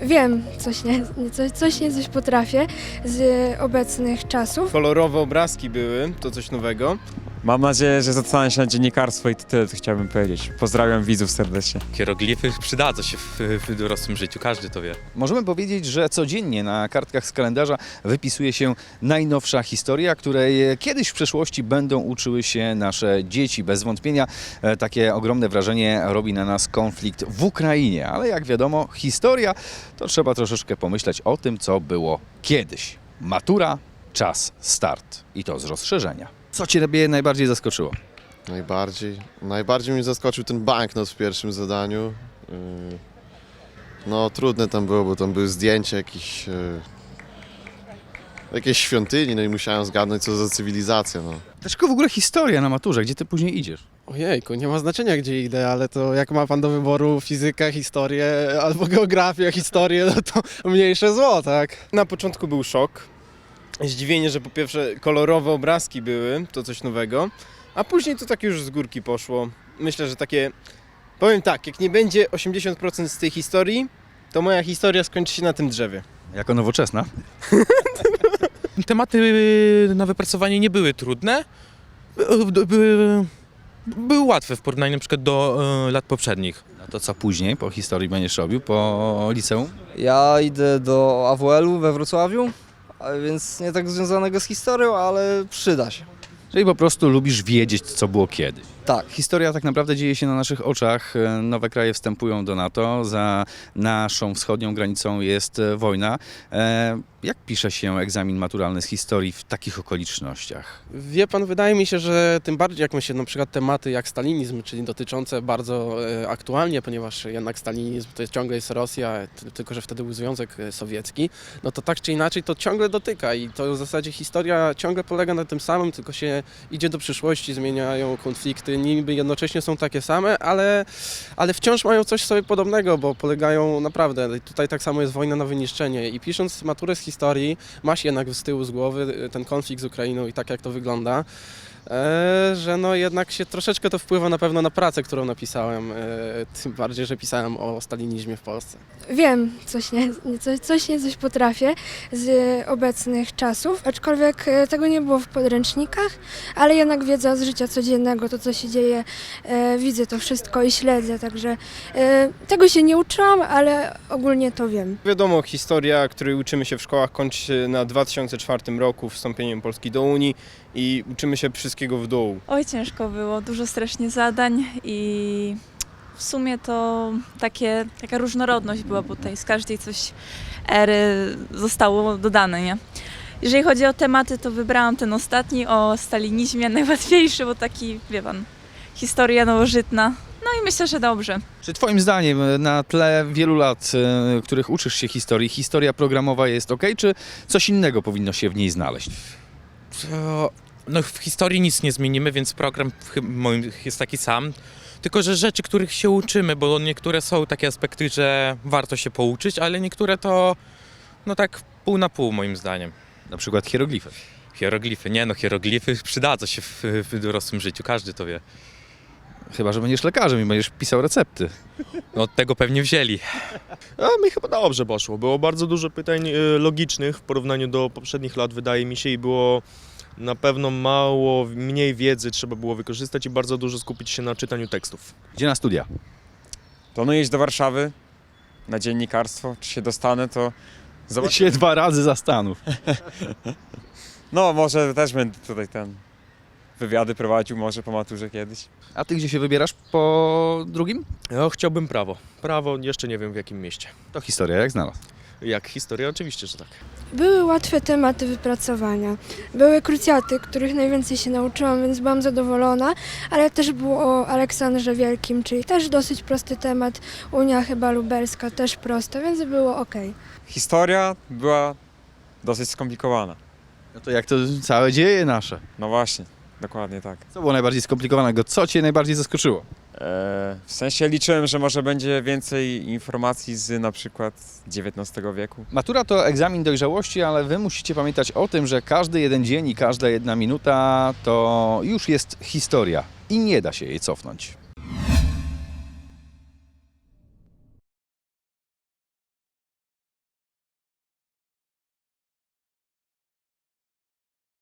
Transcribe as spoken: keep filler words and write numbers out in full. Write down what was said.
Wiem, coś nie, coś, coś nie coś potrafię z obecnych czasów. Kolorowe obrazki były, to coś nowego. Mam nadzieję, że zastanę się na dziennikarstwo i to tyle, co chciałbym powiedzieć. Pozdrawiam widzów serdecznie. Hieroglify przydadzą się w, w dorosłym życiu, każdy to wie. Możemy powiedzieć, że codziennie na kartkach z kalendarza wypisuje się najnowsza historia, której kiedyś w przeszłości będą uczyły się nasze dzieci. Bez wątpienia e, takie ogromne wrażenie robi na nas konflikt w Ukrainie, ale jak wiadomo, historia to trzeba troszeczkę pomyśleć o tym, co było kiedyś. Matura, czas, start i to z rozszerzenia. Co Ciebie najbardziej zaskoczyło? Najbardziej, najbardziej mnie zaskoczył ten banknot w pierwszym zadaniu. Yy, No trudne tam było, bo tam były zdjęcia jakichś, yy, jakiejś świątyni, no i musiałem zgadnąć, co za cywilizacja. No. Dlaczego w ogóle historia na maturze? Gdzie Ty później idziesz? Ojejku, nie ma znaczenia gdzie idę, ale to jak ma pan do wyboru fizykę, historię albo geografię, historię, no to mniejsze zło, tak? Na początku był szok. Zdziwienie, że po pierwsze kolorowe obrazki były, to coś nowego, a później to tak już z górki poszło. Myślę, że takie, powiem tak, jak nie będzie osiemdziesiąt procent z tej historii, to moja historia skończy się na tym drzewie. Jako nowoczesna? Tematy na wypracowanie nie były trudne, By- były, były łatwe w porównaniu na przykład do e, lat poprzednich. No to co później po historii będziesz robił, po liceum? Ja idę do A W L-u we Wrocławiu, a więc nie tak związanego z historią, ale przyda się. Czyli po prostu lubisz wiedzieć, co było kiedyś. Tak. Historia tak naprawdę dzieje się na naszych oczach. Nowe kraje wstępują do NATO. Za naszą wschodnią granicą jest e, wojna. E, jak pisze się egzamin maturalny z historii w takich okolicznościach? Wie pan, wydaje mi się, że tym bardziej jak my się na przykład tematy jak stalinizm, czyli dotyczące bardzo e, aktualnie, ponieważ jednak stalinizm to jest ciągle jest Rosja, t- tylko że wtedy był Związek e, Sowiecki, no to tak czy inaczej to ciągle dotyka i to w zasadzie historia ciągle polega na tym samym, tylko się idzie do przyszłości, zmieniają konflikty, niby jednocześnie są takie same, ale, ale wciąż mają coś sobie podobnego, bo polegają naprawdę, tutaj tak samo jest wojna na wyniszczenie i pisząc maturę z historii, ma się jednak z tyłu z głowy ten konflikt z Ukrainą i tak jak to wygląda, e, że no jednak się troszeczkę to wpływa na pewno na pracę, którą napisałem, e, tym bardziej, że pisałem o stalinizmie w Polsce. Wiem, coś nie, coś, coś nie coś potrafię z obecnych czasów, aczkolwiek e, tego nie było w podręcznikach, ale jednak wiedza z życia codziennego, to co się dzieje, e, widzę to wszystko i śledzę, także e, tego się nie uczyłam, ale ogólnie to wiem. Wiadomo, historia, której uczymy się w szkołach, kończy się na dwa tysiące czwartym roku wstąpieniem Polski do Unii i uczymy się wszystkiego w dół. Oj, ciężko było, dużo strasznie zadań i w sumie to takie, taka różnorodność była, bo tutaj z każdej coś ery zostało dodane, nie? Jeżeli chodzi o tematy, to wybrałam ten ostatni o stalinizmie, najłatwiejszy, bo taki, wie pan, historia nowożytna. No i myślę, że dobrze. Czy Twoim zdaniem na tle wielu lat, e, których uczysz się historii, historia programowa jest ok, czy coś innego powinno się w niej znaleźć? To, no w historii nic nie zmienimy, więc program chy- moim jest taki sam. Tylko, że rzeczy, których się uczymy, bo niektóre są takie aspekty, że warto się pouczyć, ale niektóre to no tak pół na pół moim zdaniem. Na przykład hieroglify. Hieroglify, nie no, hieroglify przydadzą się w, w dorosłym życiu, każdy to wie. Chyba że będziesz lekarzem i będziesz pisał recepty. No od tego pewnie wzięli. A mi chyba dobrze poszło. Było bardzo dużo pytań y, logicznych w porównaniu do poprzednich lat, wydaje mi się, i było na pewno mało, mniej wiedzy trzeba było wykorzystać i bardzo dużo skupić się na czytaniu tekstów. Gdzie na studia? Planuję iść do Warszawy na dziennikarstwo. Czy się dostanę, to Zobacz się dwa razy zastanów. no może też będę tutaj ten wywiady prowadził może po maturze kiedyś. A Ty gdzie się wybierasz po drugim? Ja chciałbym prawo. Prawo jeszcze nie wiem w jakim mieście. To historia, jak znalazł. Jak historia? Oczywiście, że tak. Były łatwe tematy wypracowania, były krucjaty, których najwięcej się nauczyłam, więc byłam zadowolona, ale też było o Aleksandrze Wielkim, czyli też dosyć prosty temat, Unia chyba lubelska też prosta, więc było ok. Historia była dosyć skomplikowana. No to jak to całe dzieje nasze? No właśnie, dokładnie tak. Co było najbardziej skomplikowanego? Co Cię najbardziej zaskoczyło? Eee, w sensie liczyłem, że może będzie więcej informacji z na przykład dziewiętnastego wieku. Matura to egzamin dojrzałości, ale Wy musicie pamiętać o tym, że każdy jeden dzień i każda jedna minuta to już jest historia i nie da się jej cofnąć.